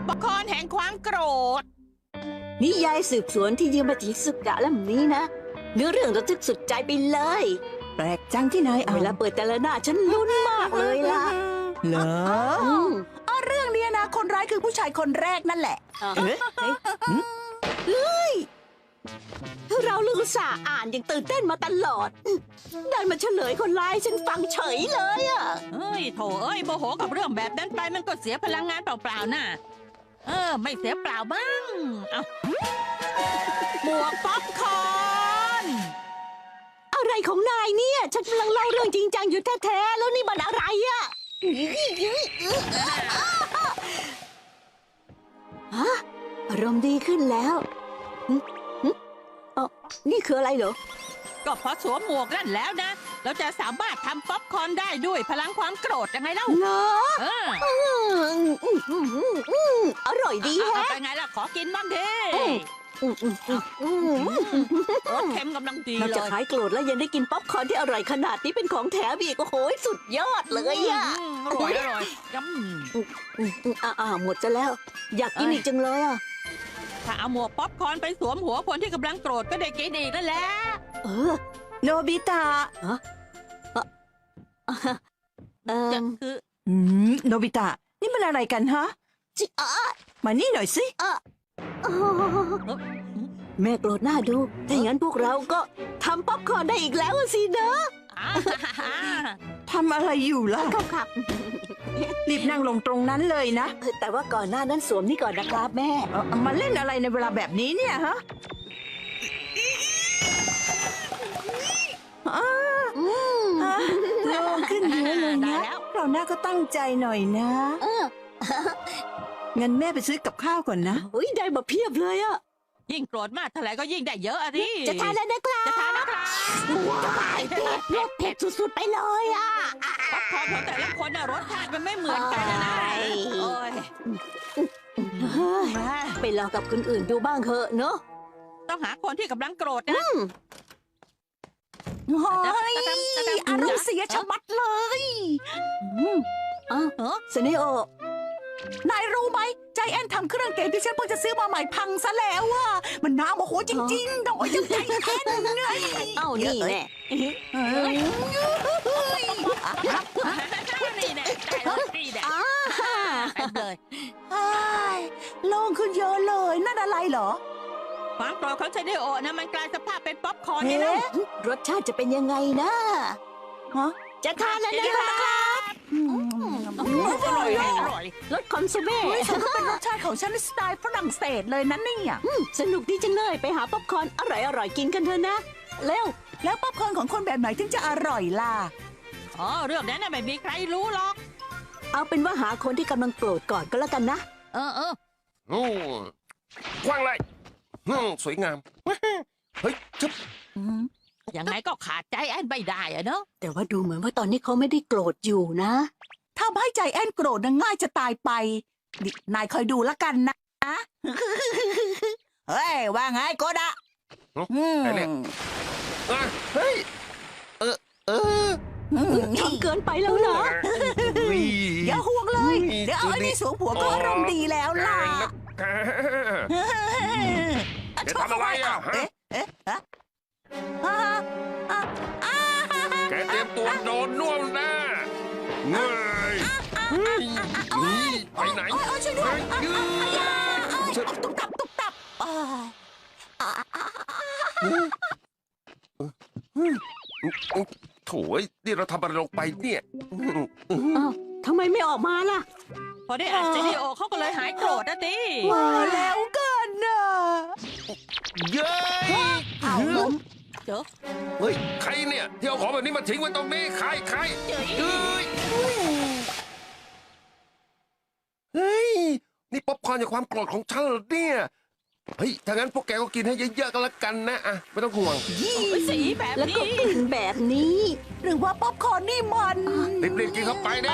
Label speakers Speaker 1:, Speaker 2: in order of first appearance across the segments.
Speaker 1: ป๊อปคอร์นแห่งความโกรธ
Speaker 2: นิยายสืบสวนที่ยืมมาจากสุกะเล่มนี้นะเนื้อเรื่องระทึกสุดใจไปเลย
Speaker 3: แปลกจังที่นายอ่า
Speaker 2: เวน ลาเปิดแต่ละหน้าฉันลุ้นมากเลยล่ะ
Speaker 3: เหรอ
Speaker 4: เรื่องนี้นะคนร้ายคือผู้ชายคนแรกนั่นแหละ
Speaker 3: เอ๊ะ
Speaker 2: เราลือสาห์อ่านอย่างตื่นเต้นมาตลอดได้มาเฉลยคนร้ายฉันฟังเฉยเลยอ่ะ
Speaker 1: เฮ้ยโถเอ้ยโมโหกับเรื่องแบบนั้นไปมันก็เสียพลังงานเปล่าๆน่ะไม่เสียเปล่าบ้างเอาหมวกป๊อปคอร์น
Speaker 2: อะไรของนายเนี่ยฉันกำลังเล่าเรื่องจริงจังอยู่แท้ๆแล้วนี่มันอะไรอ่ะฮะอารมณ์ดีขึ้นแล้วอ๋อนี่คืออะไรเหรอ
Speaker 1: ก็พอสวมหมวกนั่นแล้วนะเราจะสามารถทำป๊อปคอร์นได้ด้วยพลังความโกรธยังไงเล่า
Speaker 2: เหรอ
Speaker 1: เออ
Speaker 2: อร่อยดี
Speaker 1: เอา
Speaker 2: แฮะ
Speaker 1: ไปไงล่ะขอกินบ้างดิรสเค็มกำลังดี
Speaker 2: นอก
Speaker 1: เล
Speaker 2: จาก
Speaker 1: ย
Speaker 2: หายโกรธแล้วยังได้กินป๊อปคอร์นที่อร่อยขนาดนี้เป็นของแถมอีกโอ้โหสุดยอดเลยอ่ะ
Speaker 1: อร่อย
Speaker 2: หมดจะแล้ว อยากกินอีกจังเลยอ่ะ
Speaker 1: ถ้าเอาหมวกป๊อปคอร์นไปสวมหัวคนที่กำลังโกรธก็ได้กินอีกนั่นแหละ
Speaker 2: เออ
Speaker 3: โนบิตะ
Speaker 1: จะคือ
Speaker 3: โนบิตะ นี่มันอะไรกันฮะ
Speaker 2: จิอ๋อ
Speaker 3: มานี่หน่อยสิ
Speaker 2: แม่โกรธหน้าดูถ้าอย่างนั้นพวกเราก็ทำป๊อปคอร์นได้อีกแล้วสิเนอะ
Speaker 3: ทำอะไรอยู่ล่ะ
Speaker 2: ครับ
Speaker 3: รีบนั่งลงตรงนั้นเลยนะ
Speaker 2: แต่ว่าก่อนหน้านั้นสวมนี่ก่อนนะครับแม่
Speaker 3: มาเล่นอะไรในเวลาแบบนี้เนี่ยฮะโล่งขึ้นเยอะเลย
Speaker 1: ได้
Speaker 3: นะ
Speaker 1: แล้ว
Speaker 3: เราหน้าก็ตั้งใจหน่อยนะ งั้นแม่ไปซื้อกับข้าวก่อนนะ
Speaker 2: เฮ้ยได้มาเพียบเลยอะ
Speaker 1: ยิ่งโกรธมากเท่าไหร่ก็ยิ่งได้เยอะอะดิ
Speaker 2: จะทานแล้วนะครับ
Speaker 1: จะทานนะครับ
Speaker 2: ว้ายเผ็ดรสเผ็ดสุดๆไปเลยอะ
Speaker 1: ป๊อปคอร์นของแต่ละคนน่ะรสชาติมันไม่เหมือนกันนะโอ้ย
Speaker 2: เฮ้ยไปลองกับคนอื่นดูบ้างเถอะเนอะ
Speaker 1: ต้องหาคนที่กำลังโกรธนะ
Speaker 4: เฮ้ยอารมณ์เสียชะมัดเลย
Speaker 2: สเนโอ
Speaker 4: นายรู้ไหมใจแอนทำเครื่องเกมที่ฉันเพิ่งจะซื้อมาใหม่พังซะแล้วอ่ะมันน่าโมโหจริงๆต้องใจแอนไง
Speaker 2: เอ้านี่แน่
Speaker 1: นี่แน่ได้เลยนี่แน่ไปเลย
Speaker 4: โล่งขึ้นเยอะเลยนั่นอะไรเหรอ
Speaker 1: ความโกรธของไซเดโอนะมันกลายสภาพเป็นป๊อปคอร์นนี่แล้ว
Speaker 2: รสชาติจะเป็นยังไงนะ
Speaker 4: ฮะ
Speaker 2: จะทานแล้วนะครับ
Speaker 1: อร่อยอร่อย
Speaker 2: รสคอนซูเม่
Speaker 4: เฮ้ยฉันก็เป็นรสชาติของฉันในสไตล์ฝรั่งเศสเลยนะเนี่ย
Speaker 2: สนุกดีจังเลยไปหาป๊อปคอร์นอร่อยๆกินกันเถอะนะเร็ว
Speaker 4: แล้วป๊อปคอร์นของคนแบบไหนถึงจะอร่อยล่ะ
Speaker 1: อ๋อเรื่องนั้นน่ะไม่มีใครรู้หรอก
Speaker 2: เอาเป็นว่าหาคนที่กำลังโกรธก่อนก็แล้วกันนะ
Speaker 1: เออ
Speaker 5: กว้างเลยสวยงาม เฮ้ยจุ๊บ
Speaker 1: ยังไงก็ขาดใจแอนไม่ได้อะเนาะ
Speaker 2: แต่ว่าดูเหมือนว่าตอนนี้เขาไม่ได้โกรธอยู่นะ
Speaker 4: ถ้าให้ใจแอนโกรธนะง่ายจะตายไปนี่นายคอยดูละกันนะ เฮ้ย ว่าไงโกดะ
Speaker 5: ไอ้เนี่ยเฮ้ย เออ
Speaker 2: ทำเกินไปแล้วนะ
Speaker 4: อย่าห่วงเลย เดี๋ยวเอาไอ้นี่สวมหัวก็อารมณ์ดีแล้วล่ะ
Speaker 5: จะทำอะไรอ่ะฮะ
Speaker 4: เอ๊ะฮะ
Speaker 5: แกเตรียมตัวโดนน่วมแน่เงยไปไหน
Speaker 4: ช่วยด้วย
Speaker 5: ช่วย
Speaker 4: ตุ๊บตับตุ๊บตับ
Speaker 5: โถ่นี่เราทำอะไรลงไปเนี่ย
Speaker 2: อ้าวทำไมไม่ออกมาล่ะ
Speaker 1: พอได้อ่านไซเดโอเขาก็เลยหายโกรธนะดิ
Speaker 4: มาแล้วกันนะ
Speaker 5: เย้ย
Speaker 4: เอาล้ม
Speaker 1: เจอ
Speaker 5: เฮ้ย ใครเนี่ยที่เอาของแบบนี้มาทิ้งไว้ตรงนี้ ใครเฮ้ย นี่ป๊อปคอร์นจากความโกรธของฉันเหรอเนี่ย เฮ้ย ถ้างั้นพวกแกก็กินให้เยอะๆกันละกันนะอ่ะไม่ต้องห่วง
Speaker 1: สีแบบ
Speaker 2: แล้ว
Speaker 1: นี้
Speaker 2: ก็กลิ่นแบบนี้
Speaker 4: หรือว่าป๊อปคอร์นนี่มัน
Speaker 5: รีบๆกินเข้าไปนะ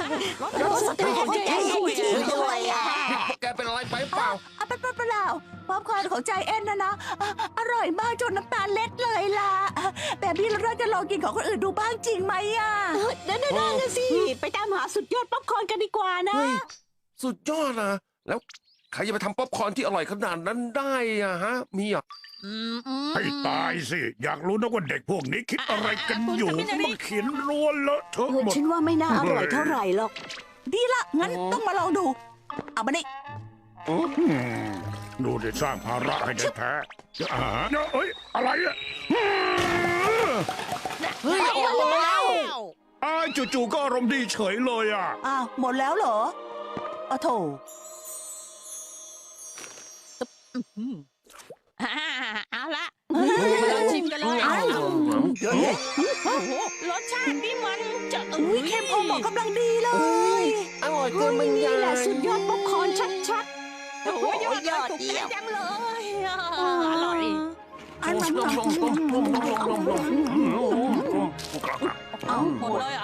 Speaker 2: รสสตรอเบอรี่ด้วยอ่ะ
Speaker 5: พวกแกเป็นอะไรไปเปล่า
Speaker 4: เป็นเปล่าป๊อปปคอร์นของใจแอนนะอร่อยมากจนน้ำตาเล็ดเลยล่ะแบบนี้เราจะลองกินของคนอื่นดูบ้างจริงไหมอ่ะ
Speaker 2: นั่นน่ะสิ ไปตามหาสุดยอดป๊อปคอร์นกันดีกว่านะ
Speaker 5: เฮ้ยสุดยอดนะแล้วใครจะไปทำป๊อปคอร์นที่อร่อยขนาดนั้นได้อะฮะ มีอ่ะ
Speaker 6: ให้ตายสิ อยากรู้นะว่าเด็กพวกนี้คิดอะไรกันอยู่มาเขียนรัวเลอะเทอะหมด
Speaker 2: ฉันว่าไม่น่าอร่อยเท่าไหร่หรอก
Speaker 4: ดีละงั้นต้องมาลองดู เอามานี่
Speaker 6: ดูดิสร้างภาระให้แท้ๆเอ้ย อะไรอ่ะ
Speaker 1: เฮ้ยออกมาแล้ว
Speaker 6: จู่ๆก็อารมณ์ดีเฉยเลยอ่ะ
Speaker 4: อ้าวหมดแล้วเหรออ้าวโถ
Speaker 1: เอาละมาลองชิมกันเลยโอ้โหรสชาตินี่มันจะ
Speaker 4: อุ้ยเข้มพอเหมาะกำลังดีเลย
Speaker 5: อร่อยเกินบรรยา
Speaker 2: นี่แหละ
Speaker 5: ย
Speaker 2: สุดยอดป๊อปคอร์นชัด
Speaker 1: โอ้โหยอดเลยถูกใจจังเลยอร่อย
Speaker 4: อันนั้น
Speaker 1: เอาหมดเลยเหรอ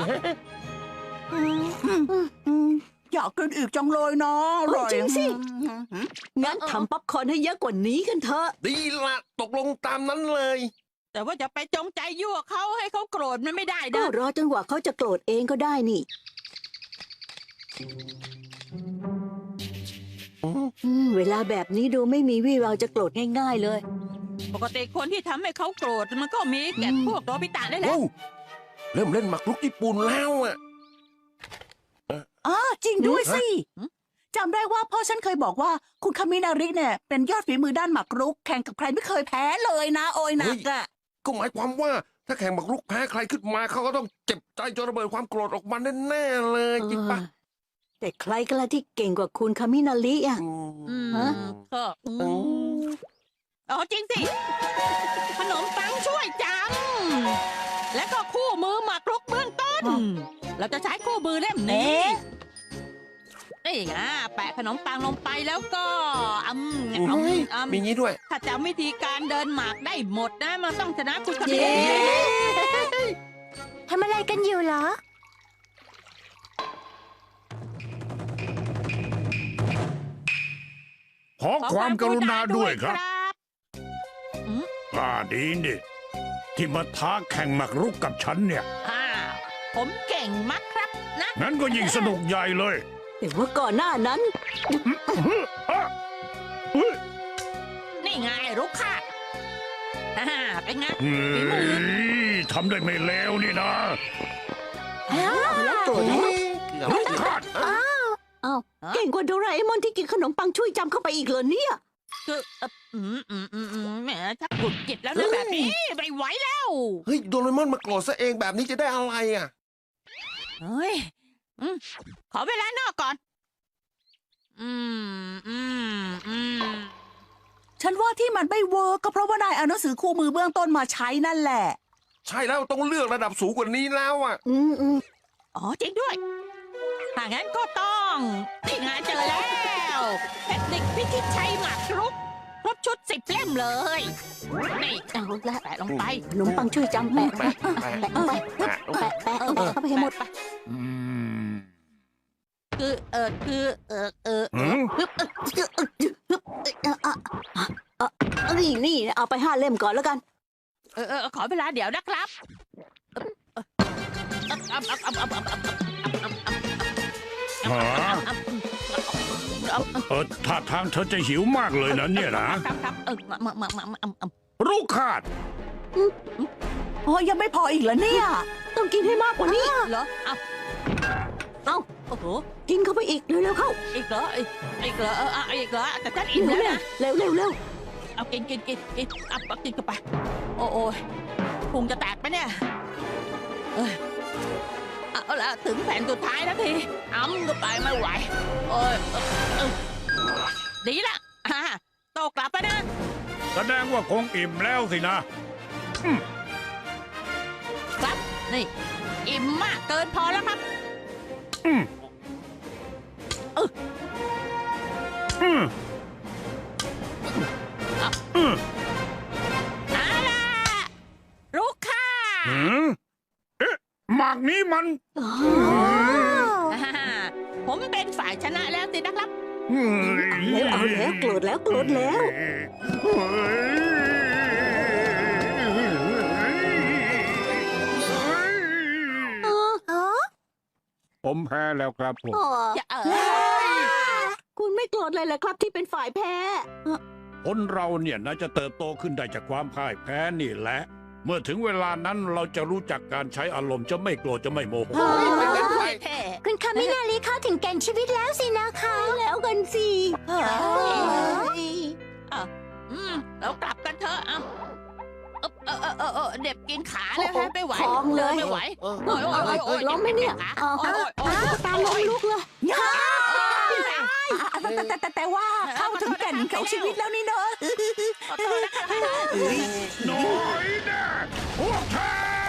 Speaker 4: อยากกินอีกจังเลยนะอร่อย
Speaker 2: ๆ งั้นทำป๊อปคอร์นให้เยอะกว่านี้กันเถอะ
Speaker 5: ดีละตกลงตามนั้นเลย
Speaker 1: แต่ว่าจะไปจงใจยั่วเขาให้เขาโกรธมันไม่ได้
Speaker 2: ก็
Speaker 1: นะ
Speaker 2: รอจนกว่าเขาจะโกรธเองก็ได้นี่เวลาแบบนี้ดูไม่มีวี่แววจะโกรธง่ายๆเลย
Speaker 1: ปกติคนที่ทำให้เขาโกรธมันก็มีแก่พวกโดบิตะได้แหละ
Speaker 5: โอ้เริ่มเล่นหมากรุกญี่ปุ่นแล้วอ่ะ
Speaker 4: จริงด้วยสิจำได้ว่าพ่อฉันเคยบอกว่าคุณคามินาริเนี่ยเป็นยอดฝีมือด้านหมากรุกแข่งกับใครไม่เคยแพ้เลยนะ โอยหนักอะ
Speaker 5: ก็หมายความว่าถ้าแข่งหมากรุกแพ้ใครขึ้นมาเขาก็ต้องเจ็บใจจนระเบิดความโกรธออกมาแน่ๆเลยจริงปะ
Speaker 2: แต่ใครกันล่ะที่เก่งกว่าคุณคามินาริอ่ะ ฮะ
Speaker 1: ก็อ๋อจริงสิ ขนมปังช่วยจัง และก็คู่มือหมากรุกเบื้องต้น เราจะใช้คู่มือเล่มนี้นี่ไงแปะขนมปังลงไปแล้วก็
Speaker 5: มีงี้ด้วย
Speaker 1: ถ้าจำวิธีการเดินหมากได้หมดนะมันต้องชนะคุณคามิ
Speaker 2: เย้
Speaker 1: นาริ
Speaker 2: ทำอะไรกันอยู่เหรอ
Speaker 6: ขอความกรุณาด้วยครับ
Speaker 1: บ
Speaker 6: ดีนี่ที่มาท้าแข่งหมากรุกกับฉันเนี่ย
Speaker 1: ผมเก่งมากครับนะ
Speaker 6: งั้นก็ยิ่งสนุกใหญ่เลย
Speaker 2: แต่ว่าก่อนหน้านั้น
Speaker 1: นี่ไงรุกค่ะเป็นไง
Speaker 6: เฮ้ยทำได้ไม่เลวนี่นะ
Speaker 2: แล้วโกรธแล้ว
Speaker 6: ลูกขาด
Speaker 2: อ้าวเก่งกว่าโดราเอมอนที่กินขนมปังช่วยจำเข้าไปอีกเหรอเนี่ย
Speaker 1: คือแหมชักหงุดหงิดแล้วนะแบบนี้ไม่ไหวแล้ว
Speaker 5: เฮ้ยโดเรมอนมาโกรธซะเองแบบนี้จะได้อะไรอ่ะ
Speaker 1: เฮ้ยขอเวลานอกก่อน
Speaker 4: ฉันว่าที่มันไม่เวิร์กก็เพราะว่านายเอาหนังสือคู่มือเบื้องต้นมาใช้นั่นแหละ
Speaker 5: ใช่แล้วต้องเลือกระดับสูงกว่านี้แล้วอ่ะ
Speaker 1: อ๋อจริงด้วย ถ้างั้นก็ต้องนี่ไงเจอแล้วเทคนิคพิชิตชัยหมากรุกครบชุด10 เล่มเลย นี่
Speaker 2: เอาละ
Speaker 1: แปะลงไป
Speaker 2: ขนมปังช่วยจำแปะ
Speaker 5: แปะแปะ
Speaker 2: แปะไปแปะเข้าไปให้หมด
Speaker 1: ไปคือ
Speaker 2: นี่เอาไป5 เล่มก่อนแล้วกัน
Speaker 1: ขอเวลาเดี๋ยวนะครับ
Speaker 6: ท่าทางเธอจะหิวมากเลยนะเนี่ยนะ
Speaker 1: ครับ
Speaker 6: ลูกขาด
Speaker 4: ยังไม่พออีกเหรอเนี่ย
Speaker 2: ต้องกินให้มากกว่านี้
Speaker 1: เหรอเอาโอ้โห
Speaker 2: กินเข้าไปอีกเร็วๆเข้า
Speaker 1: อีกเหรออีกเหรออีกเหรอแต่ฉันอิ่มแล้วนะ
Speaker 2: เร็ว
Speaker 1: เอากินเอากินกันไปโอ้ยพุงจะแตกไปเนี่ยเอาละถึงแผ่นสุดท้ายแล้วทีก็ไปไม่ไหวโอ้ยดีละโตกลับไปนะ
Speaker 6: แสดงว่าคงอิ่มแล้วสินะ
Speaker 1: ครับนี่อิ่มมากเกินพอแล้วครับเอาล่ะลูกค่ะ
Speaker 6: หมากนี้มัน
Speaker 1: ผมเป็นฝ่ายชนะแล้วสินะครับ
Speaker 2: เอาแล้วโกรธแล้วโกรธแล้ว
Speaker 6: ผมแพ้แล้วครับผม
Speaker 1: อย่า
Speaker 2: คุณไม่โกรธเลยเหรอครับที่เป็นฝ่ายแพ้
Speaker 6: คนเราเนี่ยน่าจะเติบโตขึ้นได้จากความพ่ายแพ้นี่แหละ เมื่อถึงเวลานั้นเราจะรู้จักการใช้อารมณ์จะไม่โกรธจะไม่โมโห
Speaker 1: แท้
Speaker 2: คุณคามินารีเข้าถึงแก่นชีวิตแล้วสินะคะแล้วกันสิ
Speaker 1: เรากลับกันเถอะเด็บกินขาเลยฮะไม่ไหว
Speaker 2: คลองเลย
Speaker 1: ไม่ไหว
Speaker 2: ล้มไหมเนี่ยตาล้มลุกเลย
Speaker 4: แต่ว่าเข้าถึงแก่นของชีวิตแล้วนี่เนอะ
Speaker 6: น้อยนะพวกเธ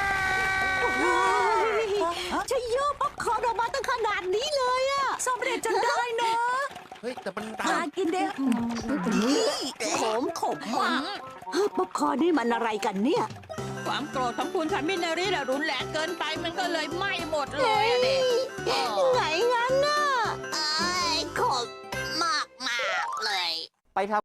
Speaker 6: อ
Speaker 2: จะโยกป๊อปคอร์นออกมาตั้งขนาดนี้เลยอะ
Speaker 4: สำเร็จจนได้เนอะ
Speaker 5: เฮ้ย แต่มันดั
Speaker 4: มาง กินเด้อ
Speaker 2: ขมมากป๊อปคอร์นนี่มันอะไรกันเนี่ย
Speaker 1: ความโกรธของคุณคามินารีน่ะรุนแรงเกินไปมันก็เลยไหม้หมดเลยอะเด็ก
Speaker 2: ไงงั้นน่ะ
Speaker 7: ขมมากเลย
Speaker 8: ไปทำ